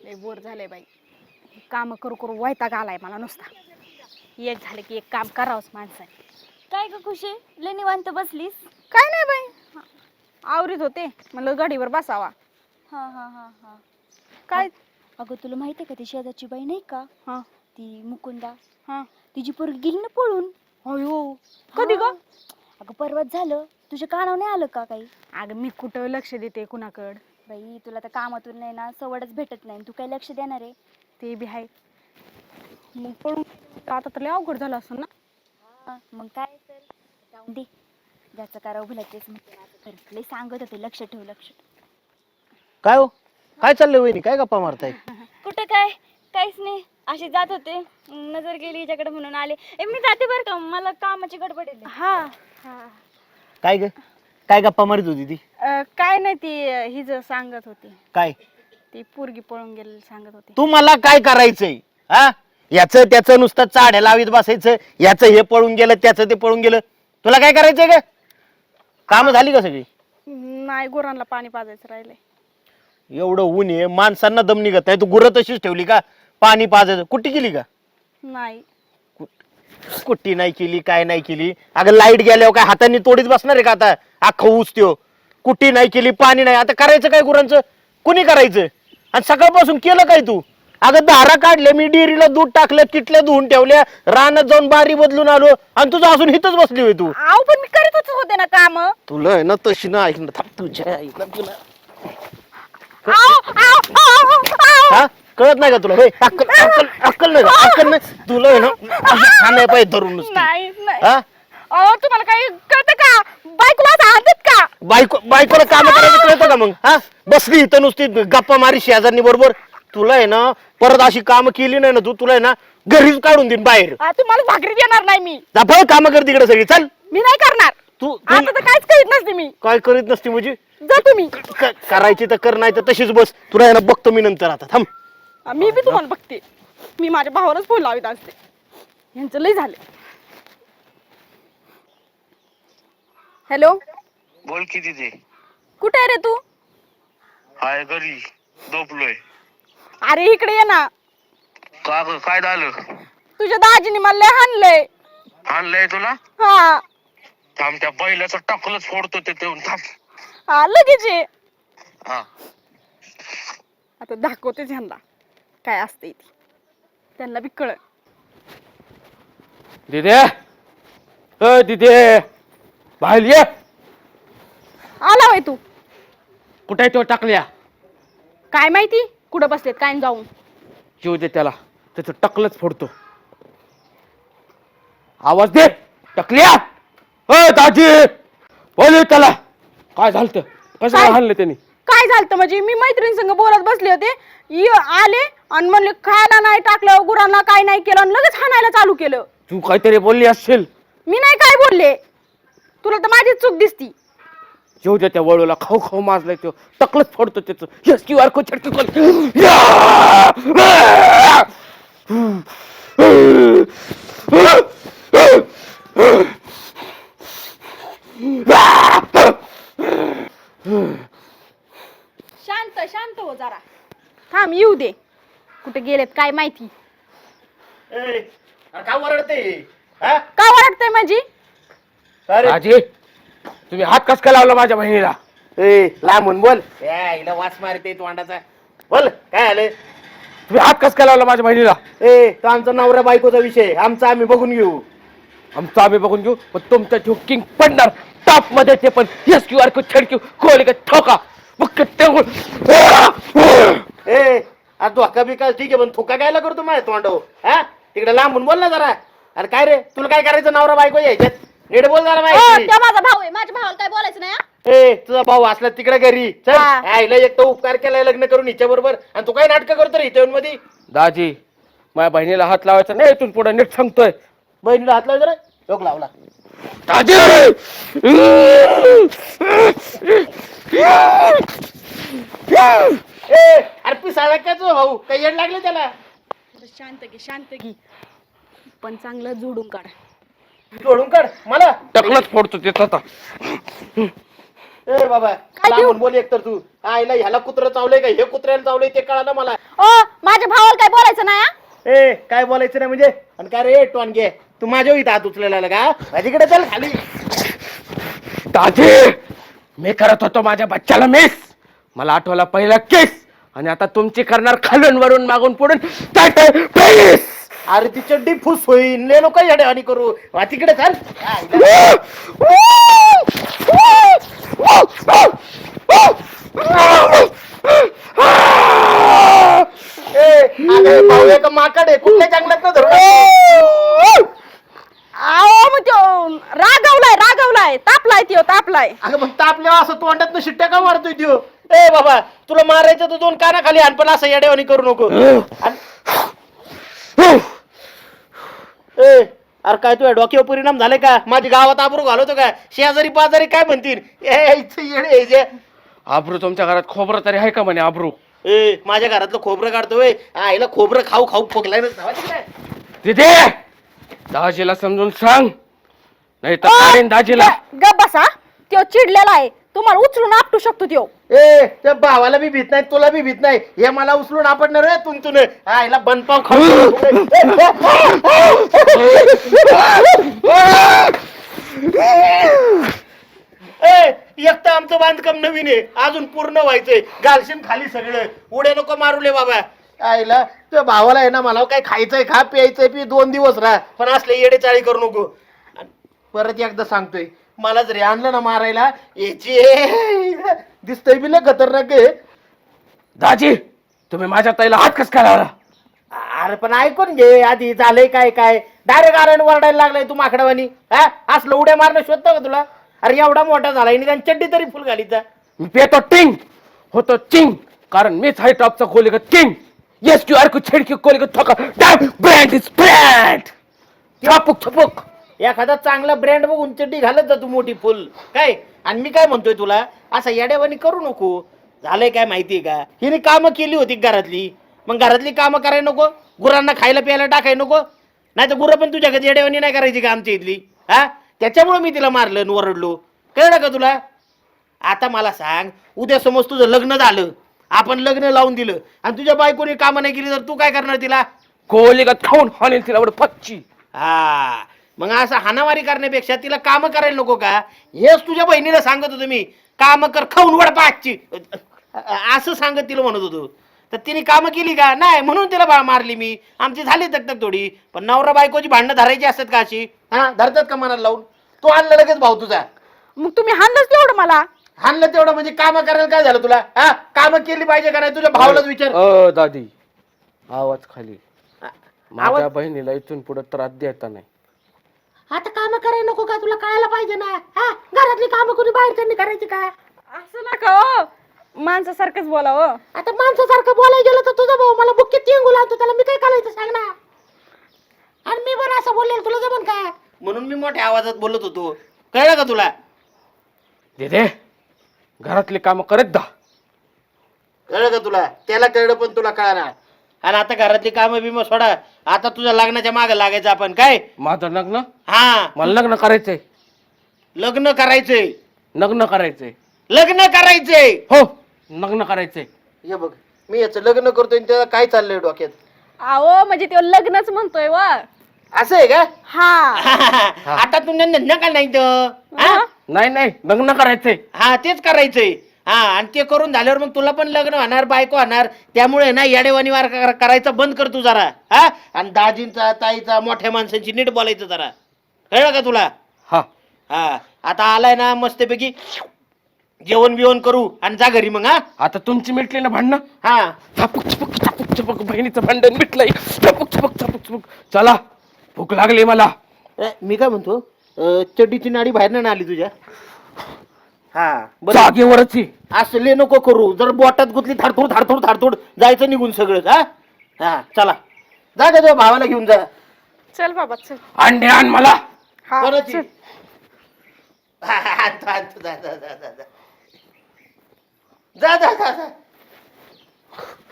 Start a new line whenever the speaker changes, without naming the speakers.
लय बोर झालंय बाई. काम करू करू वैताग आलाय मला नुसता. एक झालं की एक काम करावंच माणसाने.
काय ग खुशी, लय निवांत बसलीस?
काय नाही बाई, आवरीत होते, म्हणलं गाडीवर बसावा.
हा हा हा हा.
काय?
अगं तुला माहिती आहे का ती शेजारची बाई नाही का,
हा
ती मुकुंदा,
हा.
तिची पोरगी गेली ना पळून.
अयो, कधी ग?
अगं परवाच झालं. तुझ्या कानावर नाही आलं का काही?
अगं मी कुठं लक्ष देते कुणाकड.
बाई तुला तर कामातून नाही ना सवडच भेटत नाही, तू काय लक्ष देणार आहे?
ते बी आहे. मग पळून आता तर लय अवघड झालं असं ना.
मग काय तर जाऊन दे, ज्याचं करावं भलं तेच म्हणते माझं खरं. लय सांगत होते लक्ष ठेव लक्ष ठेव.
काय हो, काय चाललंय वहिनी, काय गप्पा मारताय?
कुठं काय, काहीच नाही, अशी जात होते, नजर गेली हिच्याकडे म्हणून आले. मी जाते बरं का, मला कामाची गडबड आहे.
हा हा.
काय ग, काय गप्पा मारित होती ती?
काय नाही, ती हिज सांगत होती.
काय?
ती पोरगी पळून गेली सांगत होती.
तू मला काय करायचंय? हा, याचं त्याचं नुसतं चाड्या लावीत बसायचं, याचं हे पळून गेलं त्याचं ते पळून गेलं. तुला काय करायचंय ग? काम झाली का सगळी?
नाही, गुरांना पाणी पाजायचं राहिलंय.
एवढं ऊन आहे, माणसांना दम निघत नाही, तू गुरं तशीच ठेवली का? पाणी पाजायचं कुट्टी केली का?
नाही.
कुट्टी नाही केली, काय नाही केली. अगं लाईट गेल्यावर काय हाताने तोडीत बसणार आहे का आता? अख्खं ऊस त्यो. कुट्टी नाही केली, पाणी नाही, आता करायचं काय गुरांचं? कुणी करायचं? आणि सकाळपासून केलं काय तू? अगं धारा काढले, मी डेअरीला दूध टाकलं, किटल्या धुवून ठेवल्या, रानात जाऊन बारी बदलून आलो, आणि तुझं अजून इथंच बसली होय तू.
आव पण मी करतच होते ना काम.
तुला आहे ना तशी ना ऐक ना, थांब तुझ्या ऐक ना तुला. हा, कळत नाही का तुला? होय, अक्कल अक्कल अक्कल नाही, अक्कल नाही तुला आहे ना. खाण्या पाहिजे धरून नुसती.
नाही नाही.
हा,
अहो तुम्हाला काही कळतं का? बायकोला असं आणतात का?
बायकोला काम करायचं कळतं का मग? हा, बसली इथं नुसती गप्पा मारी शेजारनी बरोबर. तुला आहे ना परत अशी काम केली नाही ना तू, तुला आहे ना घरीच काढून देईन बाहेर.
तुम्हाला भाकरी देणार नाही मी.
काम कर तिकडे सगळी, चल.
मी नाही करणार.
तू
आता तर काहीच करीत नसते मी.
काय करीत नसती म्हणजे?
जा तुम्ही.
करायची तर कर, नाही तर तशीच बस. तुला आहे ना बघतो मी नंतर, आता थांब.
मी बी तुम्हाला बघते. मी माझ्या भावालाच फोन लावित असते. यांचं लय झालं. हॅलो,
बोल किती ते?
कुठे आहे रे तू?
हाय घरी झोपलोय.
अरे इकडे ये ना.
का ग, काय झालं?
तुझ्या दाजीने मला लय हाणलंय.
आणलंय तुला?
हा
थांब, त्या बैलाचं टाकलंच फोडतो ते देऊन थांब.
हा, लगेच ये.
हा,
आता दाखवतेच ह्यांना काय असते ती. त्यांना बी कळ.
दिदे, अ दिदे, बाहेर ये.
आला वय तू?
कुठे तो टाकल्या?
काय माहिती कुठं बसलेत काय जाऊन.
जीव दे त्याला, त्याचं टकलच फोडतो. आवाज दे टकल्या. अ दाजी, बोल त्याला. काय झालं? कसं
काय?
हाणलं त्यांनी?
काय झालं म्हणजे? मी मैत्रीण संग बोलत बसले होते, आले आणि म्हणले खायला नाही टाकलं, गुरांना काय नाही केलं, आणि लगेच हाणायला चालू केलं.
तू काहीतरी बोलली असशील.
मी नाही काय बोलले. तुला तर माझीच चूक दिसती.
जीव दे त्या वळूला, खाऊ खाऊ माजलाय तो, टकलच फोडतो त्याचं. यस क्यू आर कोड छटकी खोल.
शांत शांत हो जरा. थांब, येऊ दे. कुठे गेलेत काय माहिती.
काय वरडते?
का वाटतंय म्हणजे?
दाजी, तुम्ही हात कस काय लावला माझ्या बहिणीला?
लांबून बोल. हिला वास मारते तोंडाचा. बोल, काय आलं?
तुम्ही हात कस काय लावला माझ्या बहिणीला?
तो आमचा नवरा बायकोचा विषय, आमचा आम्ही बघून घेऊ.
आमचं आम्ही बघून घेऊ, पण तुमच्या ठेव किंग पडणार टॉप मध्ये. ते पण यस क्यू आर कोड छडकी खोल का ठोका.
तू हक्का बिका ठीक आहे, पण थुका गायला करतो माझ्या तोंडावर. हा, तिकडे लांबून बोल ना जरा. अरे काय रे, तुला काय करायचं नवरा बायको यायच्यात? नीट बोल जरा माहिती.
त्या माझा भाऊ आहे, माझ्या भावाला काय बोलायचं नाही.
तुझा भाऊ असला तिकडे घरी चल. आईला एक तर उपकार केलाय लग्न करून हिच्या बरोबर, आणि तू काय नाटक करतो रे हिच्या मध्ये?
दाजी, माझ्या बहिणीला हात लावायचा नाही, इथून पुढे नीट सांगतोय.
बहिणीला हात लाव जरा. लोक लावला.
दाजी,
अरे पिसाळा काय तुझा भाऊ? काही येड लागले त्याला?
शांत घे शांत घे, पण चांगलं जोडून काढ.
जोडून काढ मला.
टकलच फोडतो ते आता.
ए बाबा
काय देऊ?
लांबून बोल एक तर तू आईला ह्याला कुत्र चावलंय का हे कुत्र्याला चावलंय ते कळालं मला.
ओ माझ्या भावाला काय बोलायचं नाही हा?
ए काय बोलायचं नाही म्हणजे आणि काय रे टोनगे तू माझ्या इथं हात उचलेला आला का माझ्याकडे चल खाली.
दादी मी करत होतो माझ्या बच्चाला मिस, मला आठवला पहिला केस, आणि आता तुमची करणार खालून वरून मागून पुढून प्लीज.
अरे ती चड्डी फुस होईल ले नको येड्यावानी करू वा तिकडे चल. भाऊ का माकड आहे कुठल्या जंगलात न धरून.
आओ मग त्यो रागवलाय तापलाय त्यो तापलाय.
अगं मग तापल्यावर असं तोंडात शिट्ट्या का मारतोय त्यो. ए बाबा तुला मारायचं तर दोन कानाखाली आण पण असं येड्यावानी करू नको. ए अरे काय तुझ्या डोक्यावर परिणाम झाले का माझ्या गावात आबरू घालवतो का शेजारी पाजारी काय म्हणतील येडे.
आब्रू तुमच्या घरात खोबरं तरी आहे का म्हणे आब्रू.
ए माझ्या घरातलं खोबरं काढतोय आईला खोबरं खाऊ खाऊ फोकलाय
तिथे दाजीला समजून सांग नाही तर काढीन दाजीला.
गप बसा त्यो चिडलेला आहे तुम्हाला उचलून आपटू शकतो त्यो.
ए त्या भावाला बी भीत नाही तुला बी भीत नाही हे मला उचलून आपडणार रे तुन आईला बनपाव खाऊ. एक तर आमचं बांधकाम नवीन आहे अजून पूर्ण व्हायचंय घालशीन खाली सगळं उड्या नको मारूले बाबा. आईला त्या भावाला आहे ना मला काय खायचंय खा प्यायचंय पी 2 दिवस राहा पण असले येडे चाळी करू नको. परत एकदा सांगतोय मला जरी आणलं ना मारायला याची दिसतंय बी लय खतरनाक आहे.
दाजी तुम्ही माझ्या ताईला हात कस काय लावला.
अरे पण ऐकून घे आधी झालंय काय काय डायरेक्ट आरण वरडायला लागलाय तू माकडावानी. हा असलं उड्या मारणं शोधतं का तुला. अरे एवढा मोठा झालाय निदान चड्डी तरी फुल घालीचा.
मी पेतो टिंग होतो चिंग कारण मीच हाय टॉपचा कोलिगत king. Yes Q R code छेडकी कोलिगत ठोका ब्रँड इज ब्रँड. छापूक छपूक
एखादा चांगला ब्रँड बघून चड्डी घालत जा तू मोठी फुल काय. आणि मी काय म्हणतोय तुला असं येड्यावानी करू नको. झालंय काय माहितीये का हिने कामं केली होती घरातली मग घरातली कामं करायला नको गुरांना खायला प्यायला टाकायला नको नाही तर गुरं पण तुझ्या घरी येड्यावानी नाही करायची का आमच्या इथली. हा त्याच्यामुळे मी तिला मारलं आणि ओरडलो कळलं का तुला. आता मला सांग उद्या समज तुझं लग्न झालं आपण लग्न लावून दिलं आणि तुझ्या बायकोने कामं नाही केली तर तू काय करणार तिला.
कोलिगत खाऊन हाणेल तिला एवढं पच्ची.
हा मग असं हाणामारी करण्यापेक्षा तिला कामं करायला नको का हेच तुझ्या बहिणीला सांगत होतो मी कामं कर खाऊन वडपाची असं सांगत तिला म्हणत होतो. तर तिने कामं केली का नाही म्हणून तिला मारली मी. आमची झाली तक थोडी पण नवरा बायकोची भांडणं धरायची असतात का अशी. हा धरतात का मनाला लावून. तो आणला लगेच भाऊ तुझा.
मग तुम्ही हाणलंच तेवढं मला.
हाणलं तेवढं म्हणजे कामं करायला काय झालं तुला. हा कामं केली पाहिजे का नाही तुझ्या भावालाच विचार.
दादी आवाज खाली. माझ्या बहिणीला इथून पुढे त्रास द्यायचा नाही.
आता कामं करायला नको का तुला कळायला पाहिजे ना. हा घरातली कामं कोणी बाहेरच्यांनी करायची का.
असं नका हो माणसासारखंच बोला हो.
आता माणसासारखं बोलायला गेलं तर तुझा भाऊ मला बुक्कीत तिंगू लावतो त्याला मी काय करायचं सांग ना. आणि मी पण असं बोलले तुला जमन काय म्हणून मी मोठ्या आवाजात बोलत होतो कळलं का तुला.
दे घरातली कामं करत दा.
कळलं का तुला त्याला कळलं पण तुला कळणार. आणि आता घरातली कामं बिमं सोडा आता तुझ्या लग्नाच्या मागे लागायचं आपण काय.
माझं लग्न
हा
मला लग्न करायचंय.
लग्न करायचंय
लग्न करायचंय.
लग्न करायचंय
हो लग्न करायचंय.
हे बघ मी याचं लग्न करतोय त्याला काय चाललंय डोक्यात.
अहो म्हणजे त्यो लग्नच म्हणतोय व.
असं आहे का.
हा
आता तू नका नाही तर हा?
नाही लग्न करायचंय.
हा तेच करायचंय. हा आणि ते करून झाल्यावर मग तुला पण लग्न होणार बायको होणार त्यामुळे ना येडेवानी वार करायचं बंद कर तू जरा. हा आणि दाजींचा ताईचा मोठ्या माणसांची नीट बोलायचं जरा कळलं का तुला.
हा
हा आता आलाय ना मस्तपैकी जेवण बिवण करू आणि जा घरी मग. हा
आता तुमची मिटली ना भांडणं.
हा
छापूक छपूक छपूक छपूक बहिणीचं भांडण मिटलंय. छपूक छपूक छपूक छपूक चला भूक लागली मला.
मी काय म्हणतो चड्डीची नाडी बाहेर ना आली तुझ्या. हा बरं
जागेवरच
असले नको करू जर बोटात गुतली थाडथोड थाडथोड थाडथोड जायचं निघून सगळं. हा हा चला जा का तुझ्या भावाला घेऊन जा.
चल बाबा चल.
अंडे आण मला.
हा
कोणाची?
चल.
आणतो, आणतो, जा, जा, जा, जा, जा. जा, जा, जा, जा.